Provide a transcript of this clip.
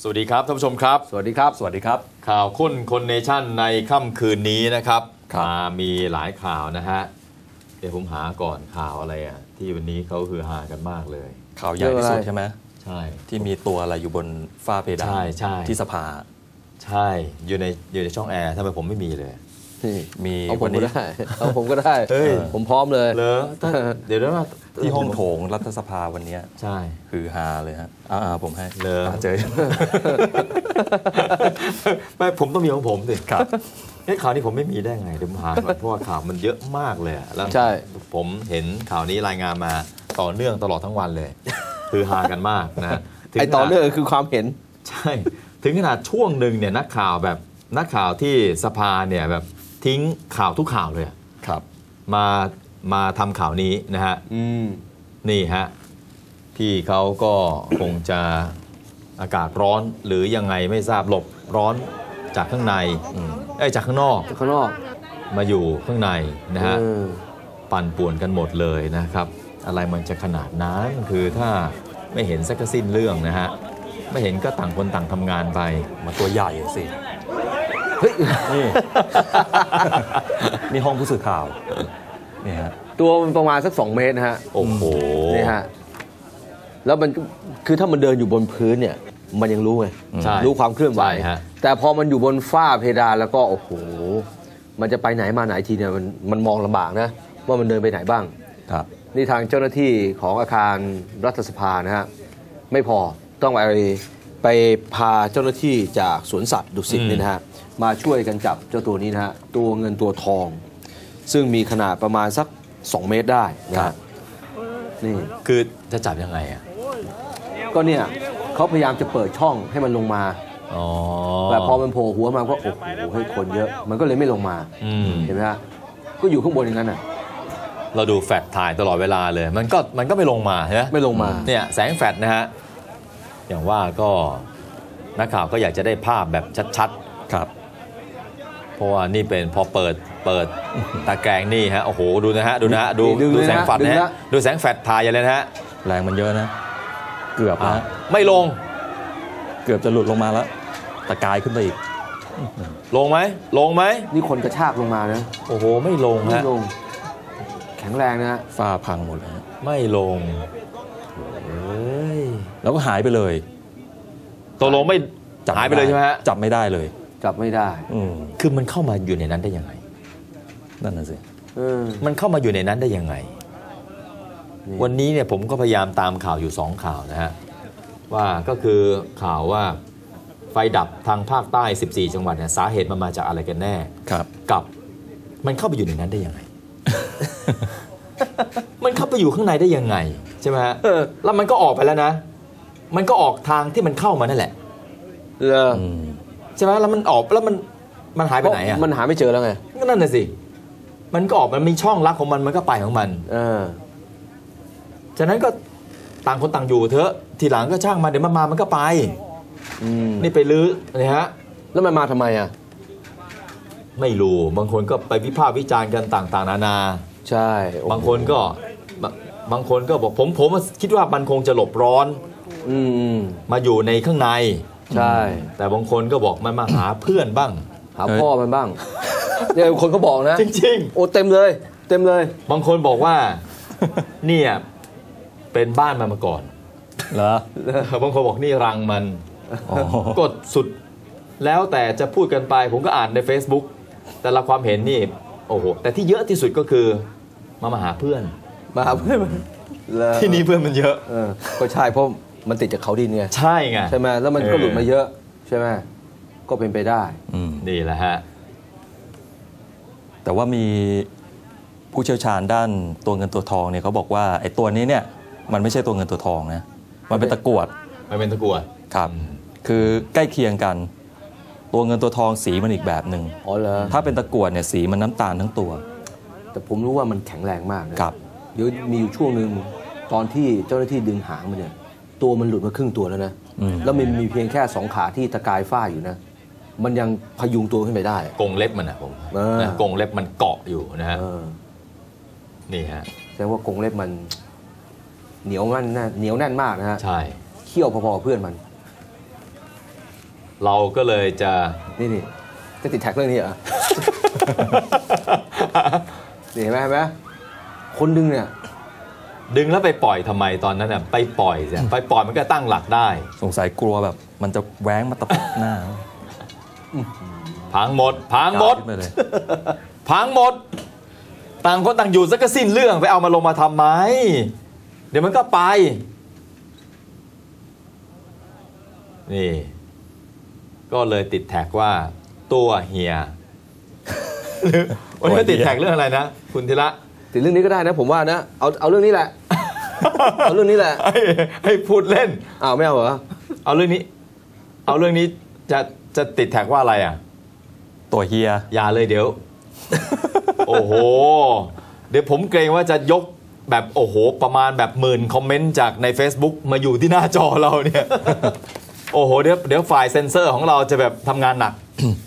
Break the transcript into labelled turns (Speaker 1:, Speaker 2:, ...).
Speaker 1: วัสดีครับท่านผู้ชมครับ
Speaker 2: สวัสดีครับ
Speaker 3: สวัสดีครับ
Speaker 1: ข่าวค้นคนเนชั่นในค่ำคืนนี้นะครับมีหลายข่าวนะฮะเดี๋ยวผมหาก่อนข่าวอะไรอ่ะที่วันนี้เขาคือหากันมากเลย
Speaker 3: ข่าวใหญ่ที่สุดใช่ไหม
Speaker 1: ใช่
Speaker 3: ที่มีตัวอะไรอยู่บนฝ้าเพดาน
Speaker 1: ใช่
Speaker 3: ที่สภา
Speaker 1: ใช่อยู่ในช่องแอร์ทำไมผมไม่มีเลย
Speaker 2: มีเอาผมก็ได้เอาผมก็ได้ผมพร้อมเลย
Speaker 1: เดี๋ยวนะ
Speaker 3: ที่ห้องโถงรัฐสภาวันนี้
Speaker 1: ใช่
Speaker 3: คือฮาเลยฮะผมให้
Speaker 1: เจอไม่ผมต้องมีของผมสิ
Speaker 3: ครับ
Speaker 1: ข่าวนี้ผมไม่มีได้ไงเดี๋ยวผมหาก่อนเพราะว่าข่าวมันเยอะมากเลยแล้วผมเห็นข่าวนี้รายงานมาต่อเนื่องตลอดทั้งวันเลยคือฮากันมากนะ
Speaker 2: ไอต่อเนื่องคือความเห็น
Speaker 1: ใช่ถึงขนาดช่วงหนึ่งเนี่ยนักข่าวที่สภาเนี่ยแบบทิ้งข่าวทุกข่าวเลย
Speaker 3: ครับ
Speaker 1: มาทำข่าวนี้นะฮะนี่ฮะพี่เขาก็คงจะอากาศร้อนหรือยังไงไม่ทราบหลบร้อนจากข้างในจากข้างนอกมาอยู่ข้างในนะฮะปั่นป่วนกันหมดเลยนะครับอะไรมันจะขนาดนั้นคือถ้าไม่เห็นสักสิ้นเรื่องนะฮะไม่เห็นก็ต่างคนต่างทำงานไป
Speaker 3: มาตัวใหญ่สินี่ห้องผู้สื่อข่าวนี่ฮะ
Speaker 2: ตัวมันประมาณสัก2 เมตรนะฮะ
Speaker 1: โอ้โห
Speaker 2: นี่ฮะแล้วมันคือถ้ามันเดินอยู่บนพื้นเนี่ยมันยังรู้ไงรู้ความเคลื่อนไหวแต่พอมันอยู่บนฝ้าเพดานแล้วก็โอ้โหมันจะไปไหนมาไหนทีเนี่ยมันมองลำบากนะว่ามันเดินไปไหนบ้าง
Speaker 3: ครับ
Speaker 2: นี่ทางเจ้าหน้าที่ของอาคารรัฐสภานะฮะไม่พอต้องไปพาเจ้าหน้าที่จากสวนสัตว์ดุสิตนี่นะฮะมาช่วยกันจับเจ้าตัวนี้นะฮะตัวเงินตัวทองซึ่งมีขนาดประมาณสัก2 เมตรได้นะนี่
Speaker 1: คือจะจับยังไงอ่ะ
Speaker 2: ก็เนี่ยเขาพยายามจะเปิดช่องให้มันลงมาแต่พอมันโผล่หัวมาก็โอ้โหให้คนเยอะมันก็เลยไม่ลงมาเห็นไหมฮะก็อยู่ข้างบนอย่างนั้นอ่ะ
Speaker 1: เราดูแฟลชถ่ายตลอดเวลาเลยมันก็ไม่ลงมาใช่ไหม
Speaker 2: ไม่ลงมา
Speaker 1: เนี่ยแสงแฟลชนะฮะอย่างว่าก็นักข่าวก็อยากจะได้ภาพแบบชัด
Speaker 3: ๆครับ
Speaker 1: เพราะว่านี่เป็นพอเปิดตะแกรงนี่ฮะโอ้โหดูนะฮะดูแสงแฟลชนะฮะดูแสงแฟลชถ่ายอย่างเลยนะฮะ
Speaker 3: แรงมันเยอะนะเกือบนะ
Speaker 1: ไม่ลง
Speaker 3: เกือบจะหลุดลงมาแล้วตะกายขึ้นไปอีก
Speaker 1: ลงไหม
Speaker 2: นี่คนกระชากลงมานะ
Speaker 1: โอ้โหไม่ลงฮะ
Speaker 2: แข็งแรงนะ
Speaker 3: ฝ้าพังหมดเลย
Speaker 1: ไม่ลง
Speaker 3: แล้วก็หายไปเลย
Speaker 1: ตกลงไม่หายไปเลยใช่ไหมฮะ
Speaker 3: จับไม่ได้เลย
Speaker 2: จับไม่ได้
Speaker 1: คือมันเข้ามาอยู่ในนั้นได้ยังไง
Speaker 3: นั่นน่ะสิ
Speaker 1: มันเข้ามาอยู่ในนั้นได้ยังไงวันนี้เนี่ยผมก็พยายามตามข่าวอยู่2 ข่าวนะฮะว่าก็คือข่าวว่าไฟดับทางภาคใต้14 จังหวัดเนี่ยสาเหตุมันมาจากอะไรกันแน่กับมันเข้าไปอยู่ในนั้นได้ยังไง มันเข้าไปอยู่ข้างในได้ยังไงใช่ไหมฮะแล้วมันก็ออกไปแล้วนะมันก็ออกทางที่มันเข้ามานั่นแหละใช่ไหมแล้วมันออกแล้วมันหายไปไหนอ่ะ
Speaker 2: มันหาไม่เจอแล้วไง
Speaker 1: ก็นั่นน่ะสิมันก็ออกมันมีช่องลักของมันก็ไปของมันฉะนั้นก็ต่างคนต่างอยู่เถอะทีหลังก็ช่างมาเดี๋ยวมันก็ไปนี่ไปลื้อนี่ฮะ
Speaker 2: แล้วมันมาทำไมอ่ะ
Speaker 1: ไม่รู้บางคนก็ไปวิพากษ์วิจารณ์กันต่างๆนานา
Speaker 2: ใช่
Speaker 1: บางคนก็บอกผมคิดว่ามันคงจะหลบร้อนมาอยู่ในข้างใน
Speaker 2: ใช่
Speaker 1: แต่บางคนก็บอกมันมาหาเพื่อนบ้าง
Speaker 2: หาพ่อมันบ้างเนี่ยคนก็บอกนะ
Speaker 1: จริง
Speaker 2: ๆโอ้เต็มเลย
Speaker 1: บางคนบอกว่าเนี่ยเป็นบ้านมันมาก่อน
Speaker 3: เหร
Speaker 1: อบางคนบอกนี่รังมันกดสุดแล้วแต่จะพูดกันไปผมก็อ่านใน Facebook แต่ละความเห็นนี่โอ้โหแต่ที่เยอะที่สุดก็คือมาหาเพื่อนที่นี่เพื่อนมันเยอะ
Speaker 2: ก็ใช่เพราะมันติดจากเขาดินไง
Speaker 1: ใช่ไง
Speaker 2: ใช่ไหมแล้วมันก็หลุดมาเยอะใช่ไหมก็เป็นไปได้
Speaker 1: นี่แหละฮะ
Speaker 3: แต่ว่ามีผู้เชี่ยวชาญด้านตัวเงินตัวทองเนี่ยเขาบอกว่าไอ้ตัวนี้เนี่ยมันไม่ใช่ตัวเงินตัวทองนะมันเป็นตะกรวดครับคือใกล้เคียงกันตัวเงินตัวทองสีมันอีกแบบหนึ่งถ้าเป็นตะกรวดเนี่ยสีมันน้ำตาลทั้งตัว
Speaker 2: แต่ผมรู้ว่ามันแข็งแรงมากนะครับเดี๋ยวมีอยู่ช่วงนึงตอนที่เจ้าหน้าที่ดึงหางมันเนี่ยตัวมันหลุดมาครึ่งตัวแล้วนะแล้วมันมีเพียงแค่2 ขาที่ตะกายฝ้าอยู่นะมันยังพยุงตัวขึ้นไปได้
Speaker 1: กรงเล็บมันนะผมกรงเล็บมันเกาะอยู่นะฮะนี่ฮะ
Speaker 2: แสดงว่ากรงเล็บมันเหนียวแน่นมากนะฮะ
Speaker 1: ใช่
Speaker 2: เขี้ยวพอๆเพื่อนมัน
Speaker 1: เราก็เลยจะ
Speaker 2: นี่จะติดแท็กเรื่องนี้เหรอ นี่เห็นไหมคนดึงเนี่ย
Speaker 1: ดึงแล้วไปปล่อยทำไมตอนนั้นน่ะไปปล่อยสิไปปล่อยมันก็ตั้งหลักได้
Speaker 3: สงสัยกลัวแบบมันจะแว้งมาตะปบหน้า
Speaker 1: พังหมดพังหมด
Speaker 3: ขึ้นไปเลย
Speaker 1: พังหมด ต่างคนต่างอยู่สักก็สิ้นเรื่องไปเอามาลงมาทำไม เดี๋ยวมันก็ไป นี่ ก็เลยติดแท็กว่าตัวเฮีย วันนี้ติดแท็กเรื่องอะไรนะ คุณธีระ
Speaker 2: ติดเรื่องนี้ก็ได้นะผมว่านะเอาเรื่องนี้แหละ เอาเรื่องนี้แหละ
Speaker 1: ให้พูดเล่น
Speaker 2: อ้าวไม่เอาเหรอ
Speaker 1: เอาเรื่องนี้จะติดแท็กว่าอะไรอ่ะ
Speaker 3: ตัวเฮีย
Speaker 1: อย่าเลยเดี๋ยว โอ้โห เดี๋ยวผมเกรงว่าจะยกแบบโอ้โหประมาณแบบ10,000คอมเมนต์จากใน Facebook มาอยู่ที่หน้าจอเราเนี่ย โอ้โหเดี๋ยวฝ่ายเซ็นเซอร์ของเราจะแบบทำงานหนัก